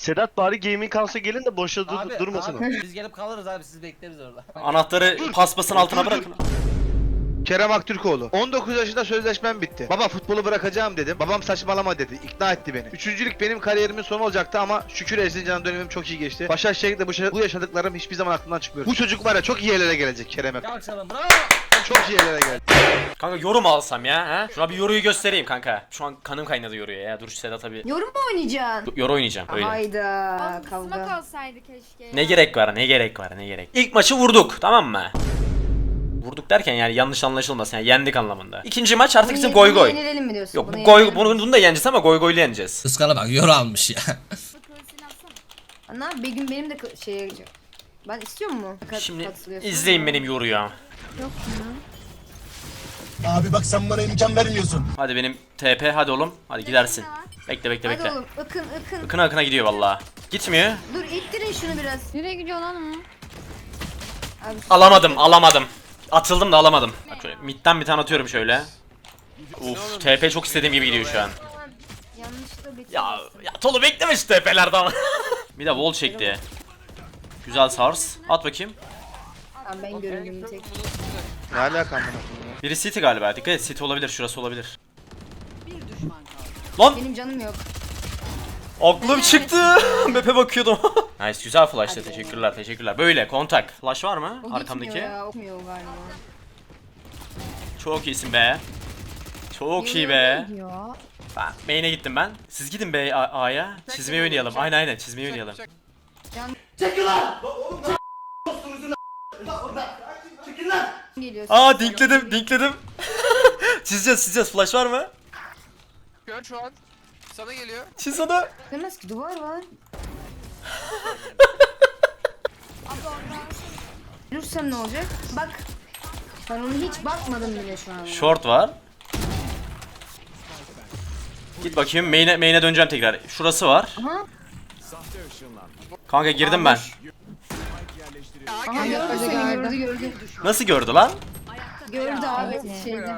Sedat bari gaming house'a gelin de boşa durmasın. Abi, biz gelip kalırız abi, siz bekleriz orada. Anahtarı paspasın altına bırakın. Kerem Aktürkoğlu. 19 yaşında sözleşmem bitti. Baba futbolu bırakacağım dedim. Babam saçmalama dedi. İkna etti beni. Üçüncülük benim kariyerimin sonu olacaktı ama şükür Erzincan dönemim çok iyi geçti. Başakşehir'de bu yaşadıklarım hiçbir zaman aklımdan çıkmıyor. Bu çocuk var ya çok iyi yerlere gelecek Kerem'e. Alçalım, bravo. Çok iyi yerlere gelecek. Kanka yorum alsam ya ha? Şuna bir yoruyu göstereyim kanka. Şu an kanım kaynadı yoruya ya. Dur şu Sedat'a bir Yorum mu oynayacaksın? yoru oynayacağım öyle. Hayda Smoke kavga. olsaydı keşke. Ne gerek var, ne gerek var, ne gerek. İlk maçı vurduk, tamam mı? Vurduk derken yani yanlış anlaşılmasın, yani yendik anlamında. İkinci maç artık bizim goy goy. Yenilelim mi diyorsun? Yok Bunu bu goy, yenilelim mi? bunu da yeneceğiz ama goy goyla yeneceğiz. Iskala bak yoru almış ya. Kılıçını atsana. Ana bir gün benim de şeye gideceğim. Ben istiyor mu? Şimdi Katılıyorsun. izleyin benim yoruyu. Abi bak sen bana imkan vermiyorsun. Hadi benim TP, hadi oğlum. Hadi gidersin. Bekle bekle Hadi bekle. oğlum ıkın. Akına akına gidiyor vallahi. Gitmiyor. Dur ittirin şunu biraz. Nereye gidiyor lan o? Abi, Alamadım. Atıldım da alamadım. Bak şöyle midden bir tane atıyorum şöyle. Uf, TP çok istediğim gibi gidiyor şu an. yanlışlıkla bitirdim. Ya Tolu bekleme şu TP'lerden. Bir de wall çekti. Güzel sars. At bakayım. Tamam ben göründüm tek. Ne alaka amına? Biri City galiba. Dikkat et, City olabilir. Şurası olabilir. Lan Benim canım yok. aklım çıktı. Map'e bakıyordum. Nice, güzel flash'tı. Teşekkürler. Böyle kontak. Flash var mı O arkamdaki? gitmiyor ya, okmuyor galiba. Çok iyisin be. Çok iyi be. Gidiyor. Ben main'e gittim ben. Siz gidin be A'ya. Çizmeyi oynayalım. Aynen çizmeyi oynayalım. Geliyorsun. Aa dinkledim. Çizeceğiz. Flash var mı? Gör şu an. Sana geliyor. Çiz onu. Demez ki duvar var. Ölürsem ne olacak? Bak. Ben onu hiç bakmadım bile şu an. Short var. Git bakayım, main'e döneceğim tekrar. Şurası var. Aha. Kanka girdim ben. Aha gördü seni gördü. Nasıl gördü lan? Gördü abi şeyde.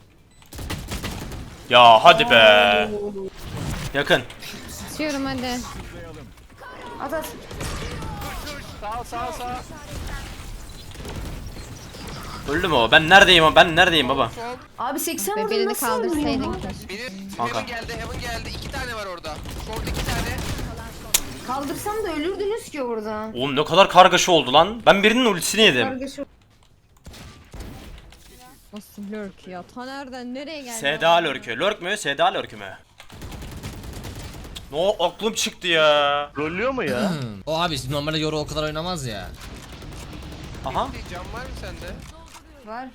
Ya hadi be. Yakın. İstiyorum hadi. At. Sağ. Öldü mü o? Ben neredeyim baba? Sol. Abi 80 Ve vurdum birini nasıl öldün kaldırsaydın ya? keşke. Biri Kanka. Heaven geldi. 2 tane var orada. Short 2 tane. Kaldırsam da ölürdünüz ki orada. Oğlum ne kadar kargaşa oldu lan. Ben birinin ultisini yedim. Kargaşa. Nasıl lurk ya? Ta nereden nereye geldi? Seda lurkü. Lurk mü? Seda lurkü mü? No, aklım çıktı ya. Rollüyor mu ya? O abi normalde yoru o kadar oynamaz ya. Aha. Bir cam var mı sende? Var.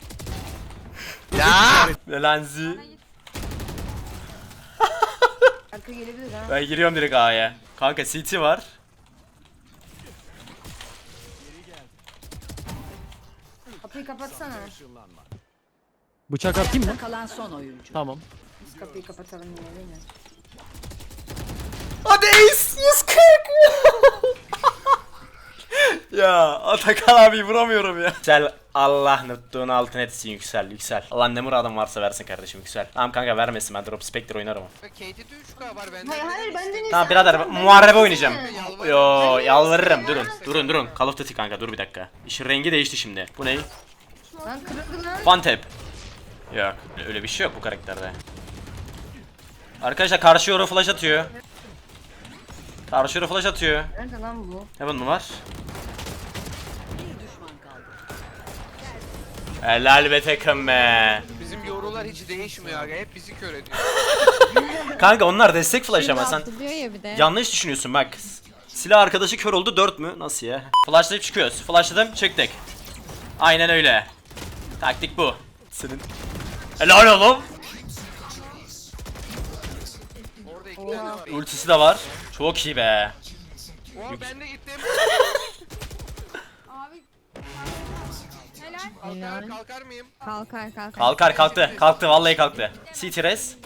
Lenzi. Arka gelebilir ha. Ben giriyorum direkt A'ya. Kanka CT var. Kapıyı kapatsana. Bıçak atayım mı? Kalan son oyuncu. Tamam. Biz kapıyı kapatalım yine değil mi? Hadi ace 140. Ya Atakan abi vuramıyorum ya. Yüksel, Allah nuttuğun altın etsin, yüksel. Allah ne muradım varsa versin kardeşim, yüksel. Tamam kanka vermesin, ben drop spectre oynarım. Bak KT'de 3K var bende. Hayır benden Tamam birader, muharebe oynayacağım. Yalvarırım. Yo yalvarırım, durun. Call of Duty kanka, dur bir dakika. İşin rengi değişti şimdi. Bu ne? Lan kırıldı lan. One tap. Yok, öyle bir şey yok bu karakterde. Arkadaşlar karşı yoru flash atıyor. Nerede lan bu? Heaven mı var? Helal be takım be. Bizim yorular hiç değişmiyor aga. Hep bizi kör ediyor. Kanka onlar destek flash ama sen Atlıyor ya bir de. yanlış düşünüyorsun bak. Silah arkadaşı kör oldu 4 mü? Nasıl ya? Flashlayıp çıkıyoruz. Flashladım çıktık. Aynen öyle. Taktik bu. Senin. Helal oğlum. Orada 2 tane var. Ultisi de var. Çok iyi be. Oo ben de gittim. Abi. Helal. Kalkar mıyım? Kalkar. Kalktı vallahi kalktı. CT res.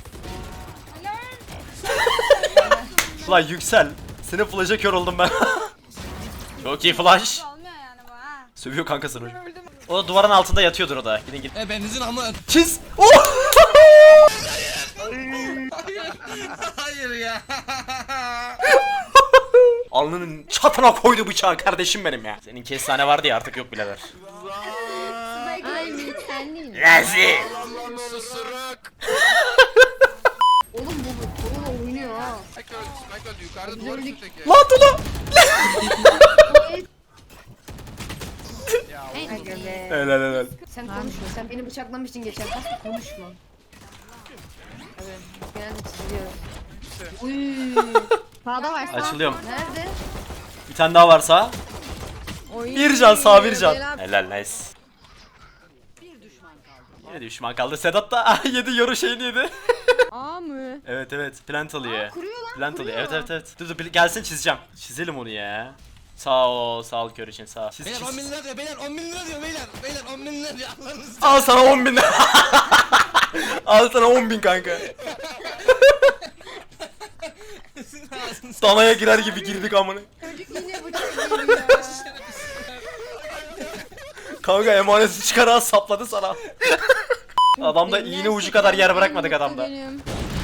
Ulan yüksel. Senin flash'a kör oldum ben. Çok iyi flash. Olmuyor yani bu ha. Sövüyor kankasını. O da duvarın altında yatıyordur o da. Gidin git. Benizin ama Çiz. Oh! hayır ya. Alnının çatına koydu bıçağı kardeşim benim ya. Senin kestane vardı ya artık yok birader. Ay sen değil. Rezil. Susuruk. Oğlum bu korona oynuyor ha. Spike öldü. Yukarıda duvar üstündeki. Lan Tula. Aga be. Helal helal. Sen konuşma. Sen beni bıçaklamıştın geçen hafta. Konuşma. Evet. Genelde çiziliyoruz. Uy. Sağda var. Açılıyorum. Nerede? Bir tane daha varsa. Oy. Bir can sağ bir can. Helal. Helal nice. Yine düşman kaldı. Sedat da yedi yoru şeyini yedi. Aa mı? Evet evet plant alıyor. Kuruyor lan. Plant alıyor. kuruyor. Evet. Dur gelsin çizeceğim. Çizelim onu ya. Sağ ol kör için sağ ol. Çiz, Beyler çiz. 10 bin lira diyor beyler 10 bin lira diyor beyler. Beyler 10 bin lira diyor Allah'ınızı. Al sana 10.000. Al sana 10.000 kanka. Danaya girer gibi girdik amına. Çocuk yine bıçak geliyor. Kanka emaneti çıkararak sapladı sana. Adamda iğne ucu kadar yer bırakmadık adamda. Benim.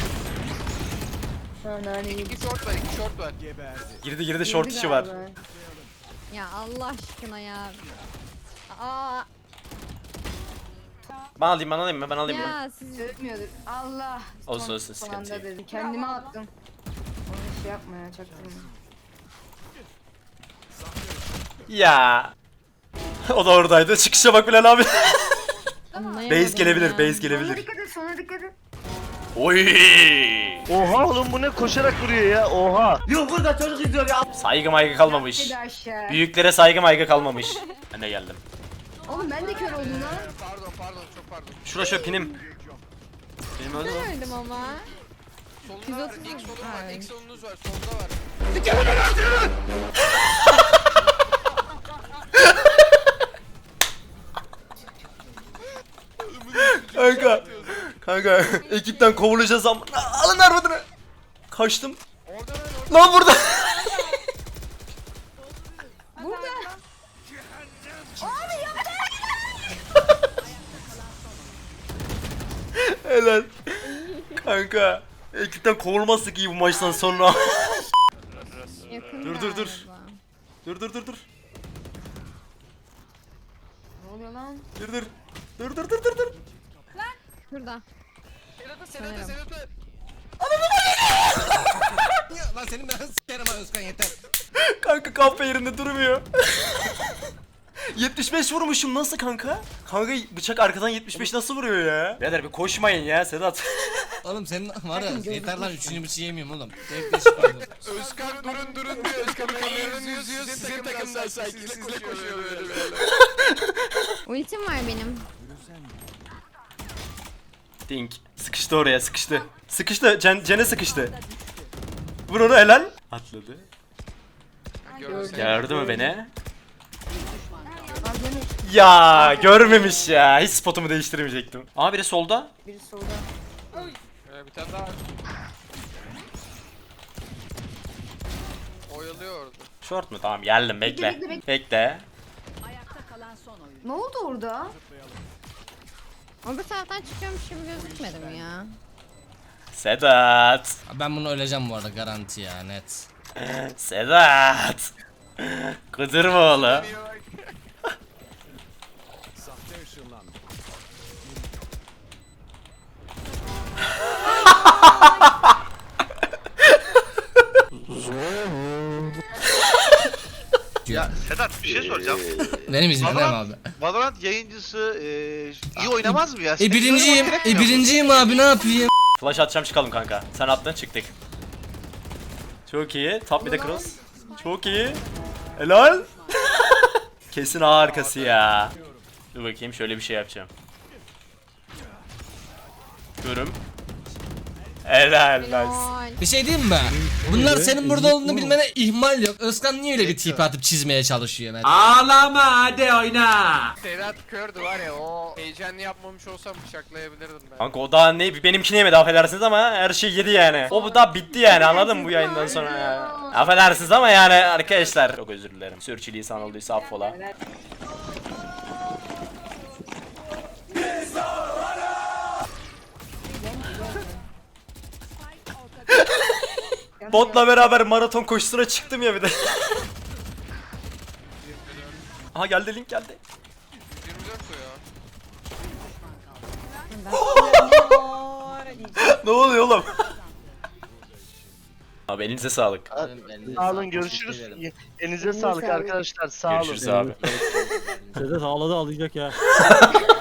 İki short var. Girdi short işi var. Ya Allah aşkına ya. Aa Ben alayım mı? Ben alayım mı? ya siz Ötmüyordur. Allah. Olsun, Son sıkıntı anda yok. dedim. Kendime attım. Onu şey yapma ya çaktırma. Ya. O da oradaydı. Çıkışa bak Bilal abi. anlayamadım Base gelebilir, ya. base Sonra gelebilir. dikkat et, sonra dikkat et. Oy! Oha oğlum bu ne koşarak vuruyor ya oha. Saygı maygı kalmamış. Hadi aşağı. Büyüklere saygı maygı kalmamış. Ben de geldim. Oğlum ben de kör oldum lan. Pardon çok pardon. Şura şu pinim. Benim öldü mü? Öldüm ama. Solunda var. 130 İlk solun var. Evet. İlk solunuz var. Solda var. Kanka ekipten kovulacağız ama alın armadını. Kaçtım. Lan burada. Burada. Helal. Kanka ekipten kovulmazsak iyi bu maçtan sonra. Yakın Dur. galiba. Dur. Ne oluyor lan? Dur. Şurada. Sedat'ı. Lan senin ben sikerim ha Özkan yeter. Kanka kafa yerinde durmuyor. 75 vurmuşum nasıl kanka? Kanka bıçak arkadan 75 nasıl vuruyor ya? Birader bir koşmayın ya Sedat. Oğlum senin var ya yeter lan 3. bıçağı yemiyorum oğlum. Zevkle çıkmadım. Özkan durun diyor. Özkan kameranın yüzüyor. Sizin takımdan sanki sizle koşuyor böyle. Ultim var benim. Dink. Sıkıştı oraya sıkıştı. Cene sıkıştı. Vur onu helal. Atladı. Gördü mü beni? Ya görmemiş ya. Hiç spotumu değiştirmeyecektim. Aa biri solda. Biri solda. Bir tane daha. Oyalıyor orada. Short mu? Tamam geldim bekle. Bekle. Ne oldu orada? O bir taraftan çıkıyormuş gibi gözükmedim ya. Sedat. Ben bunu öleceğim bu arada garanti ya net. Sedat. Kıdırma oğlum. Ya Sedat bir şey soracağım. Benim iznim değil mi abi? Valorant yayıncısı iyi oynamaz mı ya? Birinciyim. Birinciyim abi ne yapayım? Flash atacağım çıkalım kanka. Sen attın çıktık. Çok iyi. Top bir de cross. Çok iyi. Helal. Kesin A arkası ya. Dur bakayım şöyle bir şey yapacağım. Görüm. Helal nice. Lol. Bir şey diyeyim mi? Bunlar senin burada olduğunu bilmene ihmal yok. Özkan niye öyle bir tip atıp çizmeye çalışıyor Mert? Sedat kördü var ya o heyecanlı yapmamış olsam bıçaklayabilirdim ben. Kanka o daha ne benimkini yemedi affedersiniz ama her şey yedi yani. O bu da bitti yani anladın mı bu yayından sonra ya. Affedersiniz ama yani arkadaşlar. Çok özür dilerim. Sürçülisan olduysa affola. Botla beraber maraton koşusuna çıktım ya bir de. Aha geldi link geldi. 24 ya. Ne oluyor oğlum? Abi elinize sağlık. Sağ olun, görüşürüz. Elinize sağlık arkadaşlar. Sağ olun. Görüşürüz abi. Sedat ağladı ağlayacak ya.